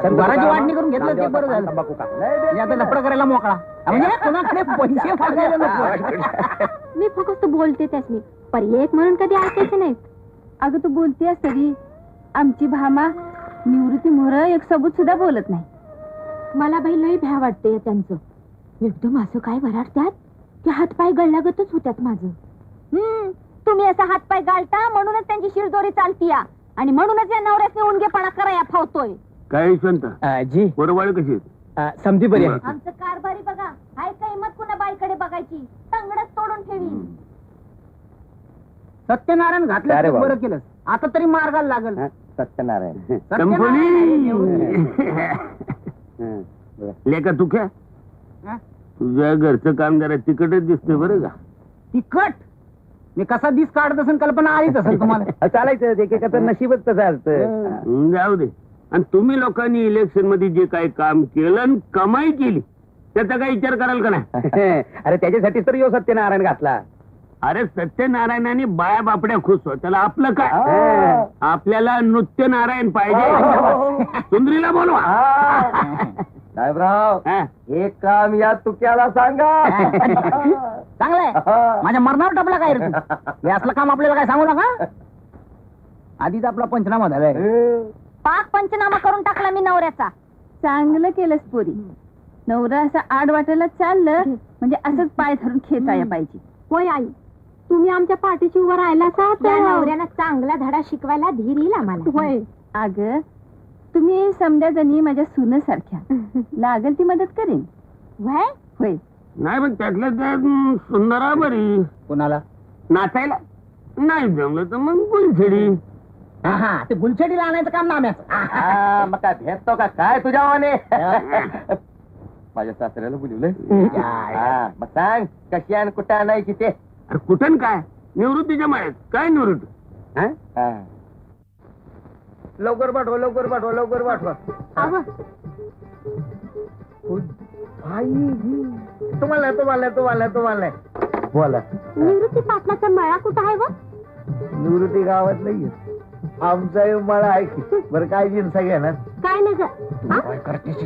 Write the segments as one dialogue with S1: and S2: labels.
S1: घराची वाटणी करून घेतलं ते बरं झालं. आता लफडं करायला मोकळा म्हणजे कोणाकडे पैसे मागायला नको.
S2: मी फक्त बोलते त्यासनी पर्याय एक म्हणून कधी ऐकायचे नाहीत. अगं तू बोलतेस तरी आमची भामा निवृत्ती मोहर एक सबूत सुद्धा बोलत नाही. मला बाई लई भ्या वाटते त्यांचं. एकदम असं काय वराडत्यात की हातपाय गळल्यागतच होत्यात माझं. तुम्ही असा हातपाय गाळता म्हणूनच त्यांची शिरजोरी चालतीया आणि म्हणूनच या नवऱ्यासने उणगेपणा कराया फावतोय.
S3: काय यशवंत
S1: जी
S3: बरोबर कशी
S1: समधी बरी आहे.
S2: आमचं कारभारी बघा हाय काय हिंमत कुणा बाईकडे बघायची तंगडच तोडून ठेवी.
S1: सत्यनारायण घातलं बरं केलं. आता तरी मार्गाला लागल.
S4: सत्यनारायण
S3: लेका तू काय तुझ्या घरचं काम जरा तिकटच दिसतंय बरं का.
S1: तिखट मी कसा दिस काढत असेल कल्पना आलीच असेल तुम्हाला.
S4: चालायचं एकेकाचं नशीबच तसं असतं.
S3: जाऊ दे. आणि तुम्ही लोकांनी इलेक्शन मध्ये जे काही काम केलं आणि कमाई केली त्याचा काही विचार कराल का नाही.
S4: अरे त्याच्यासाठीच तर यो सत्यनारायण घातला.
S3: अरे सत्यनारायणने बाया बापड्या खुश हो. त्याला आपलं काय. आपल्याला नृत्य नारायण पाहिजे. सुंदरीला बोलवा.
S4: साहेबराव हे काम या तुक्याला सांगा.
S1: चांगलंय. माझ्या मरणावर टपला काय रे तू? हे असलं काम आपल्याला काय सांगू नका. आधीच आपला पंचनामा झालाय.
S2: पाक पंचनामा करून टाकला मी नवऱ्याचा. चांगलं केलंस पोरी. नवरा असं आड वाटायला चाललं म्हणजे असंच पाय धरून खेचाया पाहिजे. होय आई तुम्ही आमच्या पाठीशी उभं राहिला नवऱ्यानं चांगला धडा शिकवायला धीर येईल आम्हाला. होय अगं तुम्ही समजा जणी माझ्या सुनेसारख्या लागल ती मदत करेन. होय होय
S3: नाही पण त्यातलं त्यात सुंदरा बरी.
S1: कोणाला
S3: नाचायला नाही जमलं तर मग गुलछडी.
S1: हा ते गुलछडीला आणायचं काम नाम्याचं.
S4: मग काय भेटतो का काय तुझ्यावाने. माझ्या सासऱ्याला बोलवलंय. मग सांग कशी आणि कुठे आणायची ते.
S3: अरे कुठं काय निवृत्तीच्या माळ्यात काय निवृत्ती.
S4: लवकर पाठवा लवकर पाठवा लवकर पाठवा. तुम्हाला तुम्हाला तुम्हाला तुम्हाला बोला.
S2: निवृत्ती पाटलाचा मळा कुठं आहे व?
S4: निवृत्ती गावात नाहीये. आमचा मळा आहे. बरं काय जिन्सा घेणार
S2: काय नाही
S4: काय करतेस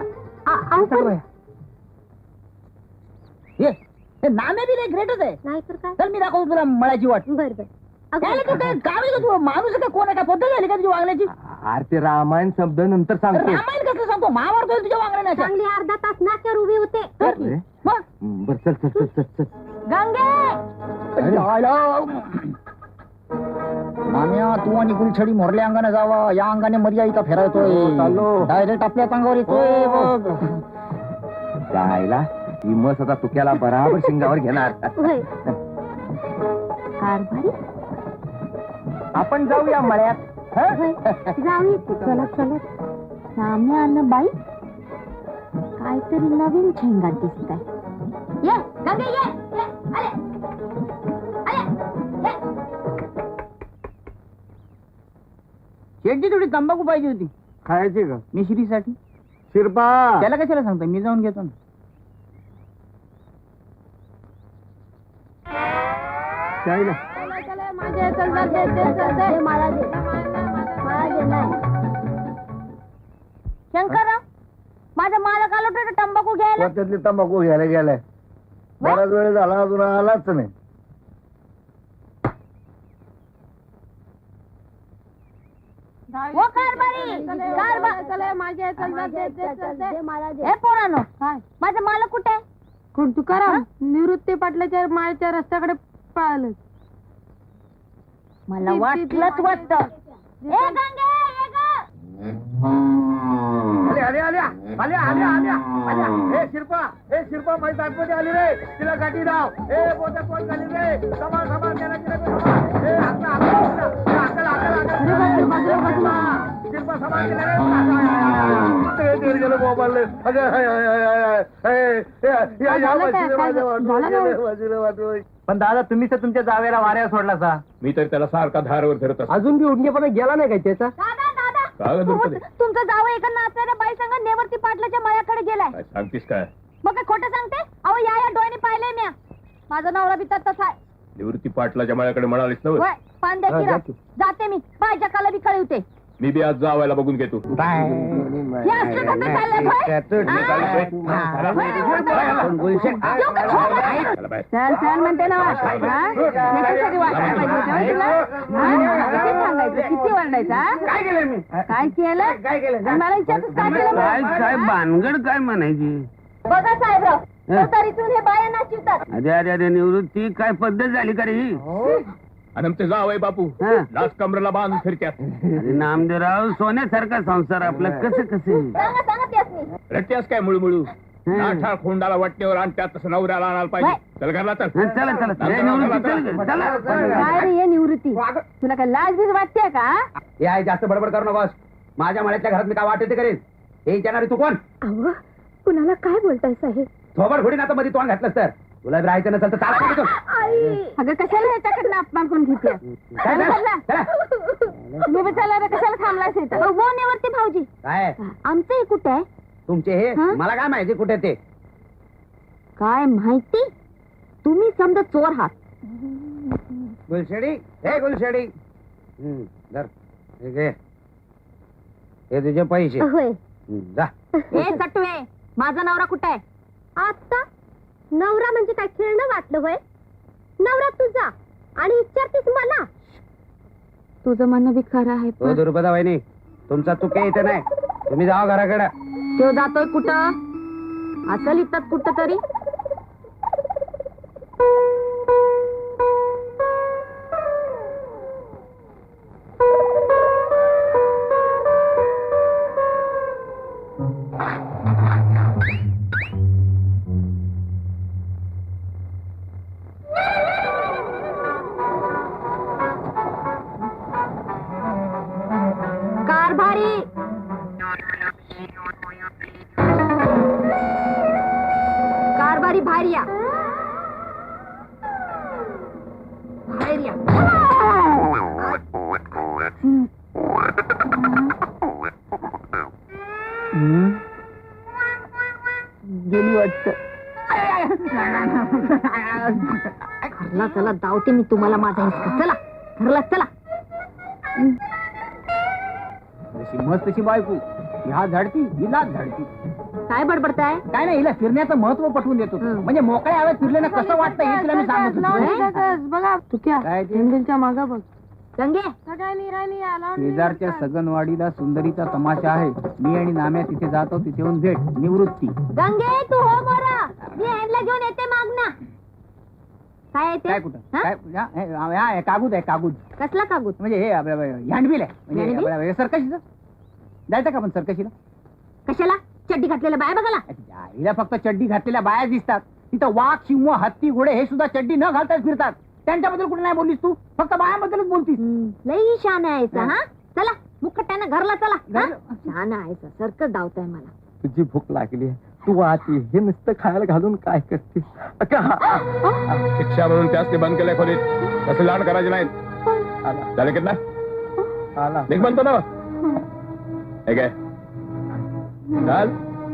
S1: हे नामे बी नाही ग्रेटच आहे.
S2: नाही तर काय.
S1: तर मी दाखवतो तुला मळाची वाट.
S2: बर बर
S1: काय तू काय गावी का तू माणूस का कोण आहे का पद्धत झाली का तुझ्या वागण्याची.
S4: अरे ते रामायण शब्द नंतर सांगतो.
S1: रामायण कसं सांगतो महाभारत होईल तुझ्या वागण्याच्या.
S2: चांगली अर्धा तास नाक्यावर उभी होते.
S1: मग
S4: बर चल चल चल चल चल.
S2: गंगे
S1: माम्या तू आणि गुलछडी मोरल्या अंगाने जावा. या अंगाने मर्या इथं फिरायतोय.
S4: चाललो.
S1: डायरेक्ट आपल्या अंगावर येतोय.
S4: जायला ही मस आता तुक्याला बराबर शिंगावर घेणार.
S2: कारभारी
S4: आपण जाऊया मळ्यात.
S2: जाऊ चलत चलत सामने आलं बाई काहीतरी नवीन झेंगाट दिसत आहे. ये गंगे ये अरे अरे
S1: शेटची थोडी तंबाखू पाहिजे होती
S4: खायची का
S1: मिश्रीसाठी.
S4: शिरपा
S1: त्याला कशाला सांगता मी जाऊन घेतो ना.
S4: जायला
S2: शंकरराव माझा मालक आला होता तंबाखू घ्यायला.
S4: त्यातली तंबाखू घ्यायला गेलाय. बराच वेळ झाला अजून आलाच नाही.
S2: हो कारभारी हे पोरानो माझा मालक कुठे आहे. कोण तुकाराम निवृत्ती पाटलाच्या माळच्या रस्त्याकडे पळालं. मला वाटलंच वाटत.
S4: शिरपा माझी ताटपती आली रे. तिला गाठी धाव. पोत्या पोट झाली रे. समान समान शिरपा समान गेलं मोबाईल. पण दादा तुम्ही तर तुमच्या जावेला वाऱ्या सोडला सा.
S3: मी तर त्याला सारखा धारवर धरत असतो.
S4: अजून बी उडणेपणा गेला नाही काय त्याचा.
S2: तुमचा जावं एका नाचणाऱ्या बाई संग नेवरती पाटलाच्या मळ्याकडे गेलाय.
S3: सांगतीस काय.
S2: मग काय खोटं सांगते. अहो या डोळ्याने पाहिले म्या. माझा नवरा बी तसाच आहे.
S3: निवृत्ती पाटलाच्या माळ्याकडे म्हणालीस ना.
S2: पान द्या की राव. जाते मी पायच्या काला बी कळवते.
S5: मी बी आज जावायला बघून घेतो.
S2: हे असलं कसं चाललंय, होय?
S5: चला बाहेर.
S2: चल चल म्हणते ना हा? necessary वाटायला पाहिजे होतं, होय तुला? हा? किती सांगायचं, किती ओरडायचं, हा?
S3: काय केलं मी?
S2: काय केलं आणि मला विचारतोस काय केलं
S3: काय
S2: म्हणून?
S3: काय भानगड काय म्हणायची?
S2: बघा साहेबराव तरीतून हे बाया नाचिवतात.
S3: अरे अरे अरे निवृत्ती काय पद्धत झाली का रे ही?
S5: आणि आमचे जावय बापू
S3: हा.
S5: लाच कमरेला बांधून फिरत्यात.
S3: अरे नामदेवराव सोन्यासारखा संसार आपला कसं कसं
S2: सांगा सांगा त्यासनी.
S5: रट्ट्यास काय मुळमुळू नाठाळ खोंडाला वाटण्यावर आणि त्यात तसं नवऱ्याला आणायला पाहिजे. चल घरला चल.
S3: चला चला रे निवृत्ती चल चला
S2: काय रे हे निवृत्ती तुला काय लाज बीज वाटते का?
S4: हे आहे जास्त बडबड करू नकोस. माझ्या मळ्याच्या घरात मी काय वाटते ते करेन. हे विचारणारी तू कोण?
S2: अहो कुणाला काय बोलताय साहेब?
S4: थोबड फोडीन आता मध्ये तोंड घातलंस तर. तुला राहायचं नसेल तर चाल तिथून.
S2: अगं कशाला ह्याच्याकडनं अपमान करून घेते?
S4: काय झालं? चला.
S2: तुम्ही बी चला रे, कशाला थांबलास इथं? हो निवृत्ती भाऊजी
S4: काय
S2: आमचं हे कुठे आहे?
S4: तुमचे हे
S2: हा?
S4: मला काय माहिती कुठे ते.
S2: काय माहिती? तुम्ही समजा चोर आहात.
S4: गुलशेडी हे गुलशेडी धर. हे घे. हे तुझे पैसे.
S2: होय.
S4: जा.
S2: ए सटवे माझा नवरा कुठे आहे? आता नवरा म्हणजे काय खेळणं वाटलं होय? नवरा तुझा आणि विचारतीस मला? तुझं म्हणणं बी खरं आहे
S4: हो दुर्पदा वहिनी तुमचा चुके इथे नाही. तुम्ही जावा घराकडे.
S2: तो जातोय कुठं? असेल इथं कुठं तरी. कारभारी कारभारी बाहेर या. बाहेर या. गेली वाटत. घरला चला धावते मी तुम्हाला माझा हिसका. चला घरला चला.
S1: मस्त तशी बायको ह्या झाडती हिला झाडती.
S2: काय बडबडताय?
S1: काय नाही हिला फिरण्याचं महत्व पटवून देतो. म्हणजे मोकळ्या हवेत फिरल्यानं कसं वाटतं हे तिला मी सांगत होतो.
S2: बघा तू
S1: काय ते?
S2: हँडलच्या मागा बघ. गंगे
S1: शेजारच्या सगनवाडीला सुंदरीचा तमाशा आहे. मी आणि नाम्या तिथे जातो. तिथे येऊन भेट. निवृत्ती.
S2: गंगे तू हो बरं. मी हँडला घेऊन येते माग ना. काय येते?
S1: काय कुठं
S2: हा?
S1: काय हे कागूद आहे कागूद.
S2: कसला कागद?
S1: म्हणजे हे आपलं हँडबिल आहे. म्हणजे
S2: हँडबिल?
S1: आपलं सर्कशीचं जायचं का आपण सर्कशीला?
S2: कशाला? चड्डी घातलेल्या बाय बघाला.
S1: हिला फक्त चड्डी घातलेल्या बाया दिसतात. तिथं वाघ सिंह हत्ती घोडे हे सुद्धा चड्डी न घालताच फिरतात. त्यांच्याबद्दल कुठे नाही बोललीस तू? फक्त बायाबद्दलच बोलतीस.
S2: लई शान आहेस
S1: हा.
S2: हा. चला मुखट्यानं घरला चला.
S1: घरला?
S2: शान आहेस सर्कस धावताय मला.
S4: तुझी भूक लागली तू आती हे नुसतं खायला घालून काय करतेस?
S5: शिक्षा म्हणून त्याच ते बंद केलंय खोलीत. तसे लाड करायचे नाहीत. झाले की ना
S4: आला
S5: निघ म्हणतो ना. हे काय चाल.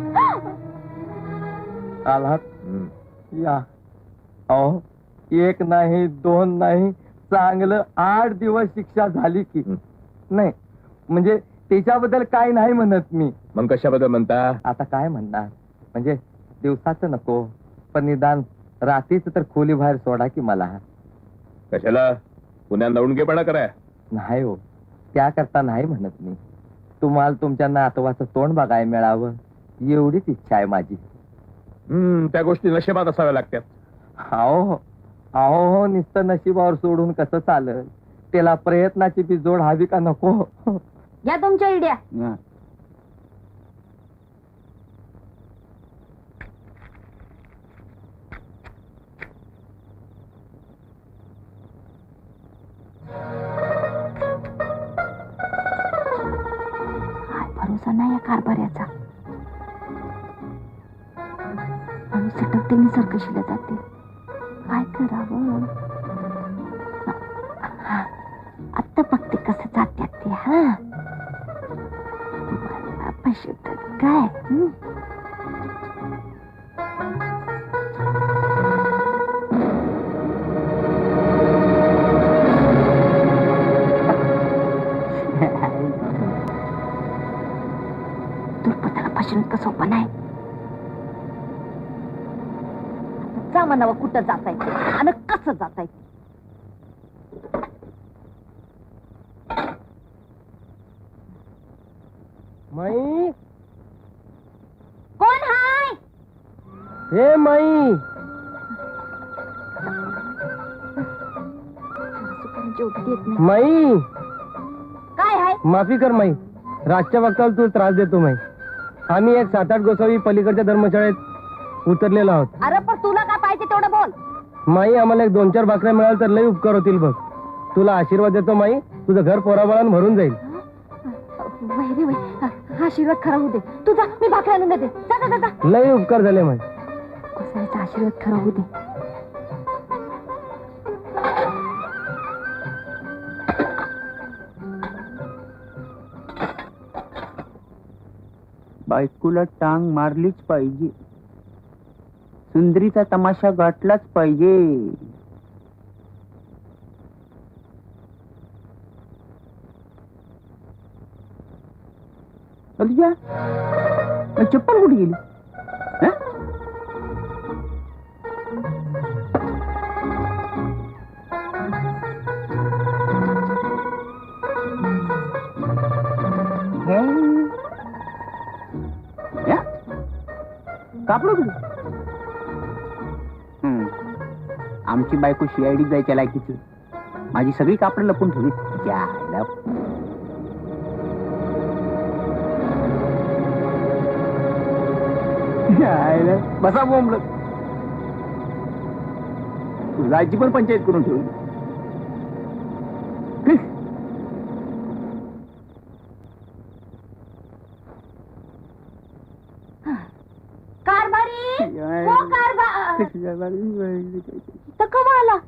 S4: आलात या. अहो एक नाही दोन नाही चांगलं 8 दिवस शिक्षा झाली की. नाही म्हणजे त्याच्याबद्दल काय नाही म्हणत मी.
S5: मग कशाबद्दल म्हणता?
S4: आता काय म्हणणार म्हणजे दिवसाचं नको पण निदान रात्रीच तर खोली बाहेर सोडा की मला.
S5: कशाला पुण्यात नवणगेपणा कराय?
S4: नाही हो त्याकरता नाही म्हणत मी. तुम्हाला तुमच्या नातवाचं तोंड बघायला मिळावं एवढीच इच्छा आहे माझी.
S5: त्या गोष्टी नशिबात असाव्या लागतात.
S4: अहो अहो हो नुसतं नशिबावर सोडून कसं चालत? त्याला प्रयत्नाची बी जोड हवी का नको?
S2: या तुमच्या इड्या.
S1: हा.
S2: काय भरोसा नाही या कारभाऱ्याचा. आणि सटकतेने सर्कशीला जाते. काय करावं? आता बघते कसं जात्यात ते. हा पशुत काय म्हणावं कुठं जाताय ते आणि कसं जाताय ते.
S4: माई
S2: कोण हाय?
S4: हे माई
S2: जोक देत नाही.
S4: माई
S2: काय हाय?
S4: माफी कर माई, रातच्या वक्ताला तू त्रास देतो माई. आम्ही एक 7-8 गोसावी पलीकडच्या धर्मशाळेत उतरलेलो आहोत.
S2: अरे पण तुला काय पाहिजे तेवढं बोल.
S4: माई आम्हाला एक 2-4 भाकऱ्या मिळाल तर लई उपकार होतील बघ. तुला आशीर्वाद देतो माई, तुझं घर पोराबाळानं भरून जाईल.
S2: वैरी वै हा आशीर्वाद खरा होऊ दे. तुझा मी भाकरी आणून देते. जा जा जा.
S4: लई उपकार झाले माई.
S2: कोसाळ्याचा आशीर्वाद खरा होऊ दे.
S1: बायकोला टांग मारलीच पाहिजे, सुंदरीचा तमाशा गाठलाच पाहिजे. अलिया, चप्पल कुठे गेली? हं? कापड कुठे? आमची बायको CID जायच्या लायकीची. माझी सगळी कापड लपून ठेवली. बसा बोंबल, जायची पण पंचायत करून ठेवली.
S2: कारभारी हो कारभार तर कवा आला?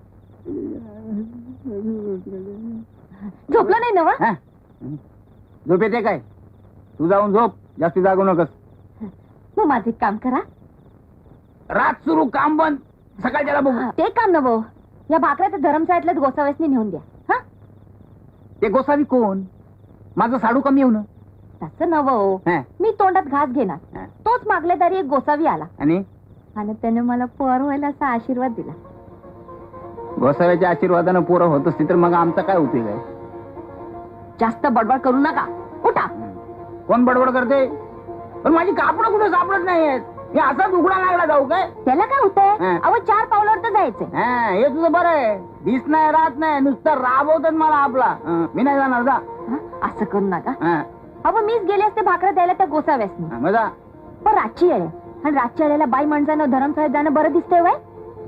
S2: झोपला नाही ना व?
S1: झोप येते काय? तू जाऊन झोप, जास्ती जागू नकस.
S2: मग माझे एक काम करा.
S1: रात सुरू काम बंद, सकाळच्याला बघू.
S2: ते काम नव, या भाकऱ्या तर धर्मशाळेतल्याच गोसाव्यासनी नेऊन द्या. हा
S1: ते गोसावी कोण? माझं साडू कमी येऊ ना.
S2: तसं नव, मी तोंडात घास घेणार. तोच मागल्या दारी एक गोसावी आला
S1: आणि
S2: त्याने मला पोर व्हायला असा आशीर्वाद दिला.
S1: गोसाव्याच्या आशीर्वादानं पोरं होत असती तर मग आमचा काय उपयोग आहे?
S2: जास्त बडबड करू नका, उठा.
S1: कोण बडबड करते? पण माझी कापडं कुठे सापडत नाहीयेत. हे असाच उघडा लागला जाऊ काय?
S2: त्याला काय होतंय? अहो 4 पावलावर तर जायचंय.
S1: हे तुझं बरं आहे. दिस नाही राहत नाही, नुसतं राबवतात मला आपला. मी नाही जाणार जा.
S2: असं करू नका. अहो मीच गेले असते भाकऱ्या द्यायला त्या गोसाव्यासनी.
S1: मजा
S2: पण रातची वेळ आहे, आणि रातच्या वेळेला बाई माणसानं धर्मशाळेत जाणं बरं दिसतंय वय.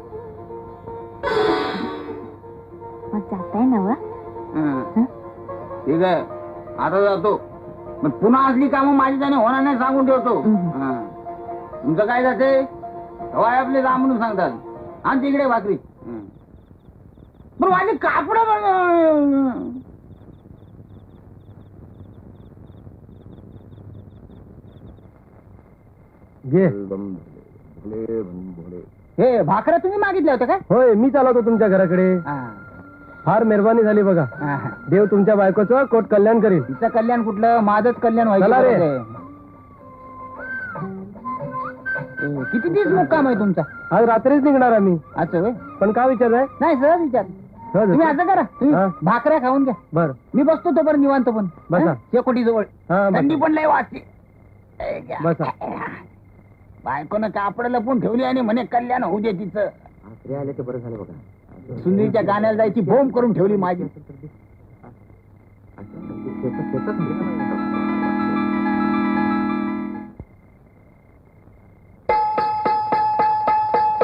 S2: मग जाताय ना व?
S1: ठीक आहे, आता जातो. पण पुन्हा असली कामं माझी त्याने होणार नाही सांगून ठेवतो. तुमचं काय जाते? हवाय आपले जा म्हणून सांगतात. आणि तिकडे भाकरी. पण माझी कापड हे भाकऱ्या तुम्ही मागितल्या होत्या काय?
S4: होय, मी चालवतो तुमच्या घराकडे. फार मेहरबानी झाली बघा. देव तुमच्या बायकोचं कोट कल्याण करील.
S1: तिचं कल्याण कुठलं, माझंच कल्याण
S4: चला रे.
S1: व्हायचं. किती दिवस मुक्काम आहे तुमचा?
S4: आज रात्रीच निघणार आम्ही.
S1: अच्छा होय.
S4: पण का विचारताय?
S1: नाही सहज विचार. तुम्ही असं करा, तुम्ही भाकऱ्या खाऊन घ्या.
S4: बर,
S1: मी बसतो तो बरं निवांत. पण
S4: बसा.
S1: शेकोटी जवळ थंडी पण लय वाजते.
S4: बसा.
S1: बायकोनं कापड लपून ठेवली आणि म्हणे कल्याण होऊ दे तिचं.
S4: आले ते बरं झालं बघा.
S1: सुंदरीच्या गाण्याला जायची बोंब करून ठेवली माझी.